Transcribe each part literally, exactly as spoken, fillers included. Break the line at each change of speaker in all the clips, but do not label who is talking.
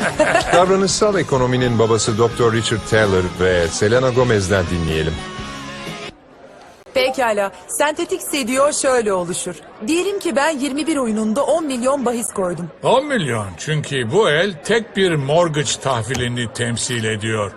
Davranışsal ekonominin babası doktor Richard Thaler ve Selena Gomez'den dinleyelim.
Pekala. Sentetik C D O şöyle oluşur. Diyelim ki ben yirmi bir oyununda on milyon bahis koydum.
on milyon, çünkü bu el tek bir mortgage tahvilini temsil ediyor.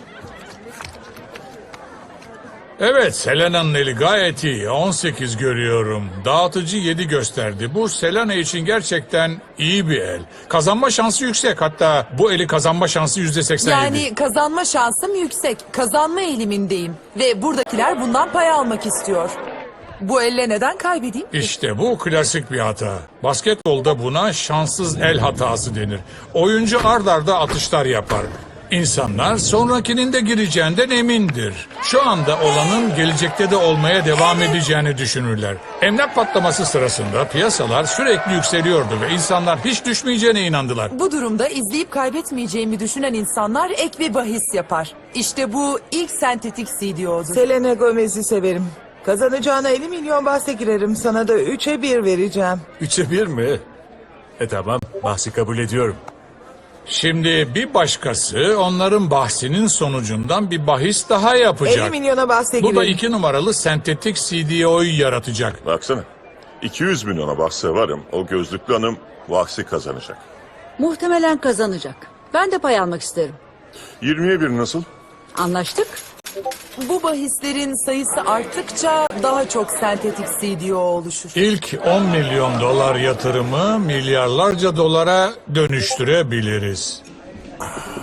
Evet, Selena'nın eli gayet iyi. on sekiz görüyorum. Dağıtıcı yedi gösterdi. Bu Selena için gerçekten iyi bir el. Kazanma şansı yüksek. Hatta bu eli kazanma şansı yüzde seksen yedi.
Yani kazanma şansım yüksek. Kazanma eğilimindeyim. Ve buradakiler bundan pay almak istiyor. Bu elle neden kaybedeyim?
İşte bu klasik bir hata. Basketbolda buna şanssız el hatası denir. Oyuncu ard arda atışlar yapar. İnsanlar sonrakinin de gireceğinden emindir. Şu anda olanın gelecekte de olmaya devam edeceğini düşünürler. Emlak patlaması sırasında piyasalar sürekli yükseliyordu ve insanlar hiç düşmeyeceğine inandılar.
Bu durumda izleyip kaybetmeyeceğimi düşünen insanlar ek bir bahis yapar. İşte bu ilk sentetik C D O'dur.
Selena Gomez'i severim. Kazanacağına elli milyon bahse girerim. Sana da üçe bir vereceğim.
Üçe bir mi? E tamam, bahsi kabul ediyorum.
Şimdi bir başkası onların bahsinin sonucundan bir bahis daha yapacak.
elli milyona bahse
Bu da
girerim.
iki numaralı sentetik C D O'yu yaratacak.
Baksana. iki yüz milyona bahse varım. O gözlüklü hanım bahsi kazanacak.
Muhtemelen kazanacak. Ben de pay almak isterim.
yirmiye bir nasıl?
Anlaştık.
Bu bahislerin sayısı arttıkça daha çok sentetik C D O oluşur.
İlk on milyon dolar yatırımı milyarlarca dolara dönüştürebiliriz.